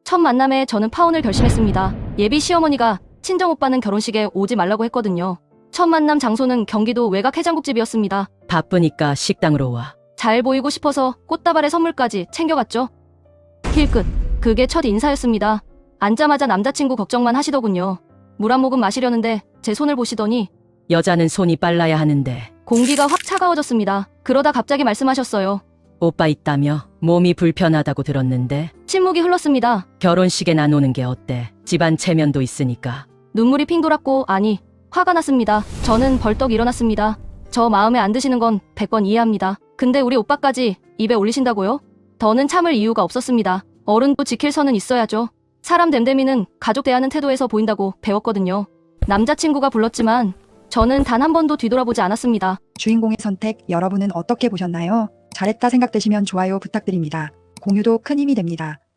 첫 만남에 저는 파혼을 결심했습니다. 예비 시어머니가 친정오빠는 결혼식에 오지 말라고 했거든요. 첫 만남 장소는 경기도 외곽 해장국집이었습니다. 바쁘니까 식당으로 와. 잘 보이고 싶어서 꽃다발에 선물까지 챙겨갔죠. 힐끗. 그게 첫 인사였습니다. 앉자마자 남자친구 걱정만 하시더군요. 물 한 모금 마시려는데 제 손을 보시더니 여자는 손이 빨라야 하는데. 공기가 확 차가워졌습니다. 그러다 갑자기 말씀하셨어요. 오빠 있다며? 몸이 불편하다고 들었는데. 침묵이 흘렀습니다. 결혼식에 안 오는 게 어때? 집안 체면도 있으니까. 눈물이 핑 돌았고 화가 났습니다. 저는 벌떡 일어났습니다. 저 마음에 안 드시는 건 100번 이해합니다. 근데 우리 오빠까지 입에 올리신다고요? 더는 참을 이유가 없었습니다. 어른도 지킬 선은 있어야죠. 사람 됨됨이는 가족 대하는 태도에서 보인다고 배웠거든요. 남자친구가 불렀지만 저는 단 한 번도 뒤돌아보지 않았습니다. 주인공의 선택 여러분은 어떻게 보셨나요? 잘했다 생각되시면 좋아요 부탁드립니다. 공유도 큰 힘이 됩니다.